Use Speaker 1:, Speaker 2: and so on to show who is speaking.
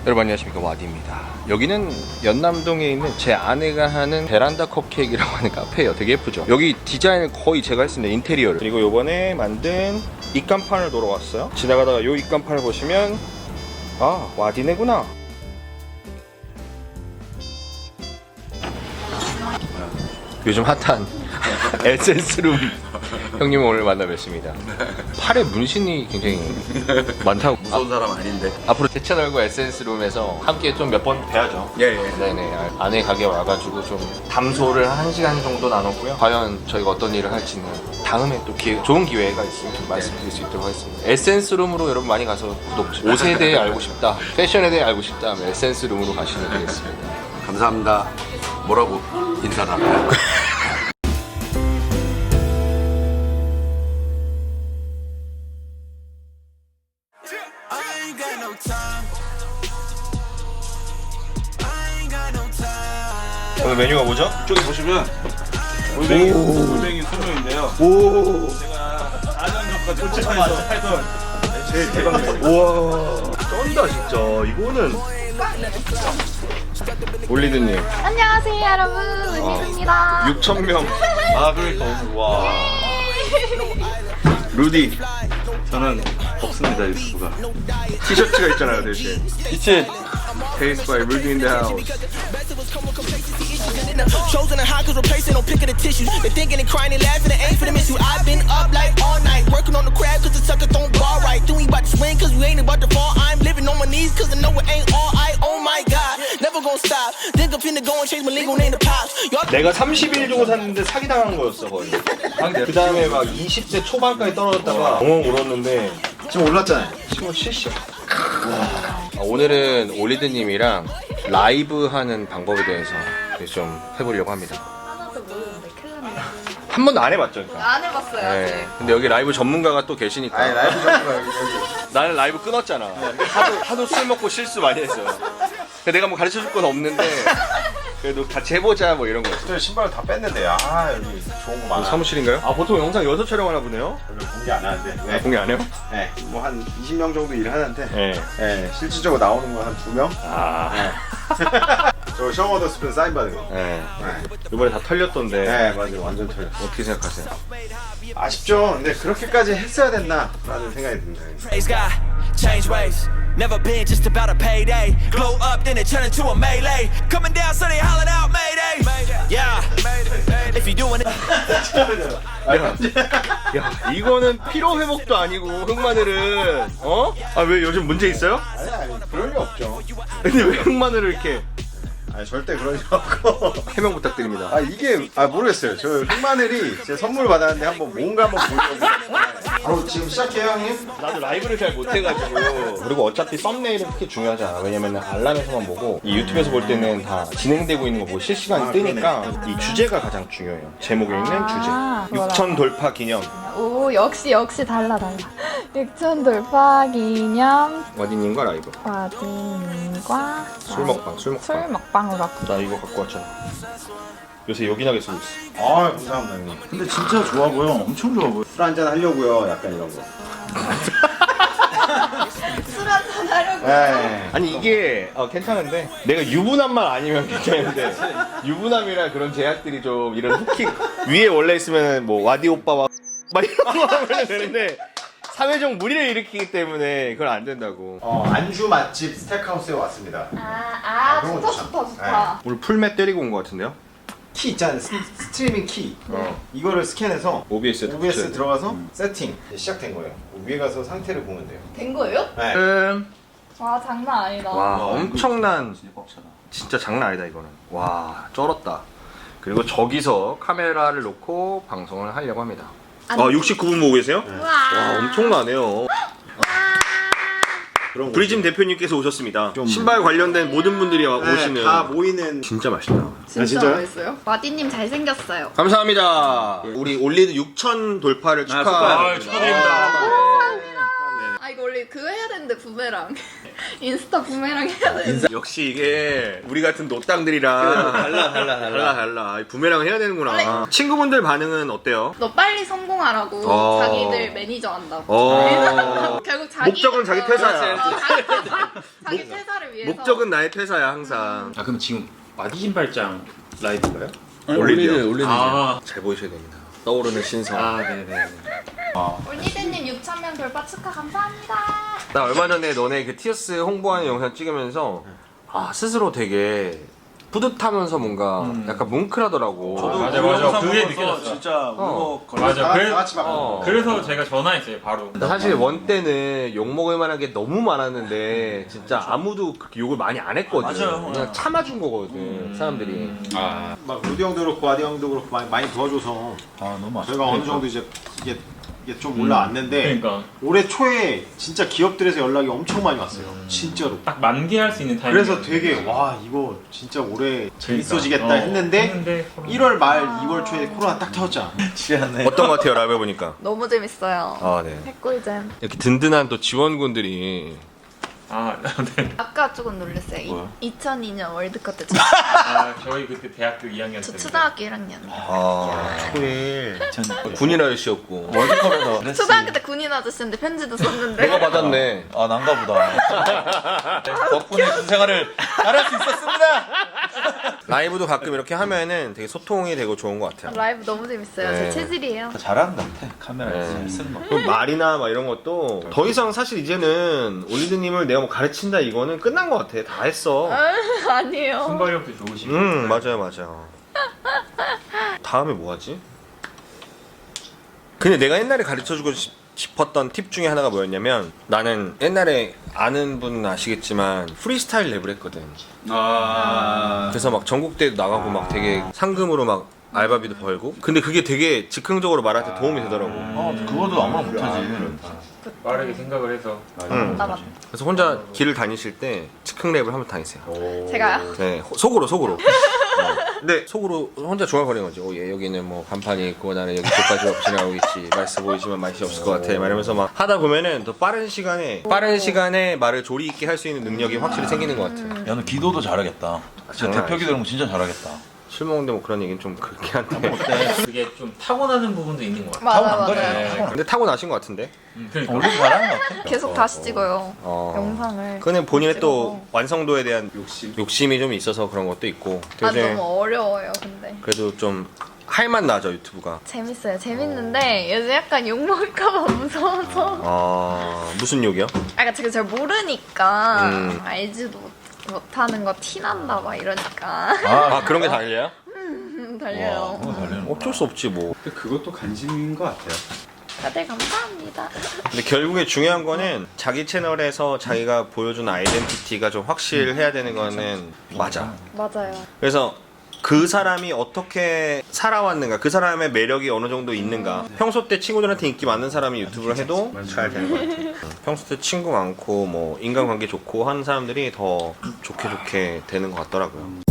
Speaker 1: 여러분 안녕하십니까, 와디입니다. 여기는 연남동에 있는 제 아내가 하는 베란다 컵케이크라고 하는 카페예요. 되게 예쁘죠? 여기 디자인을 거의 제가 했습니다, 인테리어를. 그리고 요번에 만든 입간판을 보러 왔어요. 지나가다가 요 입간판을 보시면 아, 와디네구나. 요즘 핫한 에센스룸 형님 오늘 만나 뵙습니다. 팔에 문신이 굉장히 많다고.
Speaker 2: 무서운 사람 아닌데.
Speaker 1: 앞으로 제 채널과 에센스룸에서 함께 좀 몇 번 뵈야죠.
Speaker 2: 예.
Speaker 1: 네네. 아내 가게 와가지고 좀 담소를 1시간 정도 나눴고요. 과연 저희가 어떤 일을 할지는 다음에 또 좋은 기회가 있으면 말씀드릴 수 있도록 하겠습니다. 에센스룸으로 여러분 많이 가서 구독, 옷에 대해 알고 싶다, 패션에 대해 알고 싶다 하면 에센스룸으로 가시면 되겠습니다.
Speaker 2: 감사합니다. 뭐라고 인사를 합니다.
Speaker 1: 오늘 메뉴가 뭐죠?
Speaker 3: 이쪽에 보시면 골뱅이 소면인데요. 제가 4년 전까지 홀집에서 팔던 제일 대박 메뉴.
Speaker 1: 우와, 쩐다 진짜. 이거는 올리드님
Speaker 4: 안녕하세요 여러분, 은희입니다.
Speaker 1: 6,000명. 아 그러니까 오늘 와. 루디
Speaker 3: 저는 없습니다, 유튜브가.
Speaker 1: 티셔츠가 있잖아요 대신.
Speaker 3: 이치
Speaker 1: Taste by Rudy in the house.
Speaker 5: Chosen and high cause replacing no picking the tissues. They thinking and crying and laughing and ain't finna miss you. I've been up like all night, working on the crab cause the sucker don't ball right. Then we about to swing cause we ain't about to fall. I'm living on my knees cause I know it ain't all I. Oh my god, never gonna stop. Think I'm finna go and change my legal name to Pops.
Speaker 1: 내가 30일 주고 샀는데 사기당한 거였어 거의. 그 다음에 막 20대 초반까지 떨어졌다가 엉엉 울었는데
Speaker 2: 지금 올랐잖아요.
Speaker 1: 지금 70. 오늘은 올리드님이랑 라이브 하는 방법에 대해서 좀 해보려고 합니다.
Speaker 4: 하나도 모르는데 큰일 났네.
Speaker 1: 한 번도 안 해봤죠, 그러니까.
Speaker 4: 안 해봤어요 아직.
Speaker 1: 근데 여기 라이브 전문가가 또 계시니까.
Speaker 2: 아니 라이브 전문가 여기.
Speaker 1: 나는 라이브 끊었잖아. 하도 술 먹고 실수 많이 했어요. 내가 뭐 가르쳐 줄 건 없는데 그래도 같이 해보자 뭐 이런 거였어.
Speaker 2: 저 신발을 다 뺐는데 아 여기 좋은 거 많아.
Speaker 1: 사무실인가요? 아 보통 영상 여기서 촬영하나 보네요.
Speaker 2: 별로 공개 안 하는데.
Speaker 1: 네. 공개 안 해요?
Speaker 2: 네. 뭐 한 20명 정도 일하는데.
Speaker 1: 네.
Speaker 2: 네. 실질적으로 나오는 건 한 2명.
Speaker 1: 아.
Speaker 2: 저 셔머더 스푼 사인 받은 거.
Speaker 1: 네.
Speaker 2: 네.
Speaker 1: 이번에 다 털렸던데.
Speaker 2: 네 맞아요. 완전 털렸어.
Speaker 1: 어떻게 생각하세요?
Speaker 2: 아쉽죠. 근데 그렇게까지 했어야 됐나? 라는 생각이 듭니다.
Speaker 5: Praise God, change ways. Never been just about a payday. Glow up, then it turn into a melee. Coming down, so they hollering out Mayday. Yeah, if you doing it.
Speaker 1: 야, 이거는 피로 회복도 아니고 흑마늘은 어? 아 왜 요즘 문제 있어요?
Speaker 2: 아니 그럴 리 없죠.
Speaker 1: 근데 왜 흑마늘을 이렇게
Speaker 2: 아니 절대 그럴 리 없고.
Speaker 1: 해명 부탁드립니다.
Speaker 2: 아 이게 모르겠어요. 저 흑마늘이 제 선물 받았는데 한번 뭔가 한번 보려고. 바로 지금 시작해요 형님?
Speaker 1: 나도 라이브를 잘 못해가지고. 그리고 어차피 썸네일은 그렇게 중요하지 않아. 왜냐면 알람에서만 보고 이 유튜브에서 볼 때는 다 진행되고 있는 거 보고 실시간이 뜨니까 이 주제가 가장 중요해요. 제목에 있는
Speaker 4: 아,
Speaker 1: 주제. 6천 돌파 기념.
Speaker 4: 오 역시 달라 6천 돌파 기념
Speaker 1: 와디님과 라이브.
Speaker 4: 와디님과
Speaker 1: 술
Speaker 4: 먹방으로 왔고.
Speaker 1: 나 이거 갖고 왔잖아. 요새 요긴하게 쓰고 있어.
Speaker 2: 아 감사합니다 형님.
Speaker 3: 근데 진짜 좋아 보여. 엄청 좋아 보여.
Speaker 2: 술 한잔 하려고요. 약간 이런 거.
Speaker 4: 술 한잔 하려고.
Speaker 2: 네.
Speaker 1: 아니 이게 괜찮은데 내가 유부남만 아니면 괜찮은데 유부남이라 그런 제약들이 좀 이런 후킹 위에 원래 있으면 뭐 와디 오빠와 막 이런 거 하면 되는데 사회적 무리를 일으키기 때문에 그건 안 된다고.
Speaker 2: 안주 맛집 스택하우스에 왔습니다. 그런 거
Speaker 4: 좋다.
Speaker 1: 오늘 풀맷 때리고 온 것 같은데요?
Speaker 2: 키 있잖아요. 스트리밍 키. 이거를 스캔해서
Speaker 1: OBS
Speaker 2: OBS 들어가서 세팅. 이제 시작된 거예요. 위에 가서 상태를 보면 돼요.
Speaker 4: 된 거예요?
Speaker 2: 네.
Speaker 4: 와 장난 아니다.
Speaker 1: 와 엄청난,
Speaker 3: 진짜 꽉 차다.
Speaker 1: 진짜 장난 아니다 이거는. 와 쩔었다. 그리고 저기서 카메라를 놓고 방송을 하려고 합니다. 69분 보고 계세요? 와 엄청나네요.
Speaker 2: 그런 거.
Speaker 1: 브리즘 대표님께서 오셨습니다. 신발 관련된 모든 분들이 오시는.
Speaker 2: 다 모이는.
Speaker 1: 진짜 맛있다.
Speaker 4: 진짜
Speaker 2: 진짜요?
Speaker 4: 맛있어요? 와디님 잘생겼어요.
Speaker 1: 감사합니다. 우리 올리드 6천 돌파를 축하드립니다.
Speaker 3: 축하드립니다.
Speaker 4: 아 이거 원래 그거 해야 되는데 부메랑. 인스타 부메랑 해야 돼.
Speaker 1: 역시 이게 우리 같은 노땅들이랑 달라. 부메랑을 해야 되는구나. 친구분들 반응은 어때요?
Speaker 4: 너 빨리 성공하라고
Speaker 1: 어.
Speaker 4: 자기들 매니저 한다고.
Speaker 1: 어.
Speaker 4: 결국 자기
Speaker 1: 목적은 자기 퇴사야.
Speaker 4: 자기 퇴사를 위해서.
Speaker 1: 목적은 나의 퇴사야 항상.
Speaker 3: 아 그럼 지금 마디 신발장 라이브인가요?
Speaker 1: 올리는
Speaker 3: 아,
Speaker 1: 잘 보이셔야 됩니다. 떠오르는 신성.
Speaker 3: 아 네네.
Speaker 4: 올리드님 6,000명 돌파 축하 감사합니다.
Speaker 1: 나 얼마 전에 너네 그 티어스 홍보하는 영상 찍으면서 아 스스로 되게 뿌듯하면서 뭔가 약간 뭉클하더라고.
Speaker 3: 맞아. 그게 느껴졌어.
Speaker 6: 진짜 울먹거려.
Speaker 3: 맞아.
Speaker 2: 다 같이 막.
Speaker 3: 그래서 제가 전화했어요 바로.
Speaker 1: 사실 원 때는 욕 먹을 만한 게 너무 많았는데 진짜 아무도 그렇게 욕을 많이 안 했거든.
Speaker 6: 맞아요.
Speaker 1: 그냥 참아준 거거든 사람들이.
Speaker 2: 막 루디 형도 그렇고 아디 형도 그렇고 많이 도와줘서
Speaker 6: 아 너무 아쉽다.
Speaker 2: 저희가 어느 정도 이제 이게 좀 올라왔는데
Speaker 3: 그러니까
Speaker 2: 올해 초에 진짜 기업들에서 연락이 엄청 많이 왔어요. 진짜로.
Speaker 3: 딱 만개할 수 있는 타이밍.
Speaker 2: 그래서 되게 와 이거 진짜 올해 재밌어지겠다 했는데
Speaker 3: 코로나.
Speaker 2: 1월 말 2월 초에 코로나 딱 터졌잖아.
Speaker 6: 취하네.
Speaker 1: 어떤 것 같아요 라이브 해보니까?
Speaker 4: 너무 재밌어요.
Speaker 1: 아 네.
Speaker 4: 핵꿀잼.
Speaker 1: 이렇게 든든한 또 지원군들이
Speaker 3: 아 네.
Speaker 4: 아까 조금 놀랐어요.
Speaker 3: 뭐야?
Speaker 4: 2002년 월드컵 때
Speaker 3: 아 저희 그때 대학교 2학년
Speaker 4: 저
Speaker 3: 때.
Speaker 4: 초등학교 1학년.
Speaker 1: 초일
Speaker 6: 전
Speaker 1: 군인 아저씨였고
Speaker 6: 월드컵에서 메시.
Speaker 4: 초등학교 때 군인 아저씨인데 편지도 썼는데.
Speaker 1: 내가 받았네.
Speaker 6: 아 난가 보다. 덕분에 군 생활을 잘할 수 있었습니다.
Speaker 1: 라이브도 가끔 이렇게 하면은 되게 소통이 되고 좋은 것 같아요.
Speaker 4: 라이브 너무 재밌어요.
Speaker 1: 네.
Speaker 4: 제 체질이에요.
Speaker 6: 잘하는 것 같아. 카메라
Speaker 1: 네.
Speaker 6: 잘 쓰는 거.
Speaker 1: 그 말이나 막 이런 것도 더 이상 사실 이제는 올리드님을 내가 뭐 가르친다 이거는 끝난 것 같아. 다 했어.
Speaker 4: 아니에요.
Speaker 3: 순발력도 좋으시고.
Speaker 1: 맞아요. 다음에 뭐 하지? 근데 내가 옛날에 가르쳐주고 싶었던 팁 중에 하나가 뭐였냐면 나는 옛날에 아는 분은 아시겠지만 프리스타일 랩을 했거든.
Speaker 3: 아.
Speaker 1: 그래서 막 전국대회도 나가고 막 되게 상금으로 막 알바비도 벌고 근데 그게 되게 즉흥적으로 말할 때 도움이 되더라고.
Speaker 6: 그거도 아무나 못하지.
Speaker 3: 빠르게 생각을 해서.
Speaker 1: 응.
Speaker 4: 나 맞.
Speaker 1: 그래서 혼자 길을 다니실 때 즉흥 랩을 한번 다니세요.
Speaker 4: 제가요?
Speaker 1: 네, 속으로. 근데 속으로 혼자 중얼거리는 거지. 얘 여기는 뭐 간판이 있고 나는 여기 끝까지 지나가고 있지. 맛있어 보이지만 맛이 없을 것 같아. 막 이러면서 막 하다 보면은 더 빠른 시간에 말을 조리 있게 할 수 있는 능력이 확실히 생기는 것 같아.
Speaker 6: 야, 너 기도도 잘하겠다. 진짜
Speaker 1: 장난
Speaker 6: 대표 기도는 진짜 잘하겠다.
Speaker 1: 술 먹는데 뭐 그런 얘기는 좀 그렇게 한데.
Speaker 3: 그게 좀 타고나는 부분도 있는 것 같아요.
Speaker 4: 맞아.
Speaker 3: 네.
Speaker 1: 근데 타고 나신 것 같은데.
Speaker 3: 그러니까.
Speaker 6: 원래 잘하는 것 같아.
Speaker 4: 계속 다시 찍어요. 영상을.
Speaker 1: 그는 본인의 또
Speaker 4: 찍어서.
Speaker 1: 완성도에 대한 욕심이 좀 있어서 그런 것도 있고.
Speaker 4: 아
Speaker 1: 되게
Speaker 4: 너무 어려워요. 근데
Speaker 1: 그래도 좀 할맛 나죠 유튜브가.
Speaker 4: 재밌어요. 재밌는데 요즘 약간 욕 먹을까봐 무서워서.
Speaker 1: 무슨 욕이요?
Speaker 4: 아, 그러니까 제가 잘 모르니까
Speaker 1: 음.
Speaker 4: 알지도 못하는 거 티난다 막 이러니까
Speaker 1: 아 그런 게 달려요?
Speaker 4: 달려요.
Speaker 1: 어쩔 수 없지 뭐.
Speaker 3: 그것도 관심인 것 같아요.
Speaker 4: 다들 감사합니다.
Speaker 1: 근데 결국에 중요한 거는 자기 채널에서 자기가 보여주는 아이덴티티가 좀 확실해야 되는 거는 맞아.
Speaker 4: 맞아요.
Speaker 1: 그래서 그 사람이 어떻게 살아왔는가, 그 사람의 매력이 어느 정도 있는가. 평소 때 친구들한테 인기 많은 사람이 유튜브를 해도 잘 되는 것 같아. 평소 때 친구 많고 뭐 인간관계 좋고 하는 사람들이 더 좋게 되는 것 같더라고요.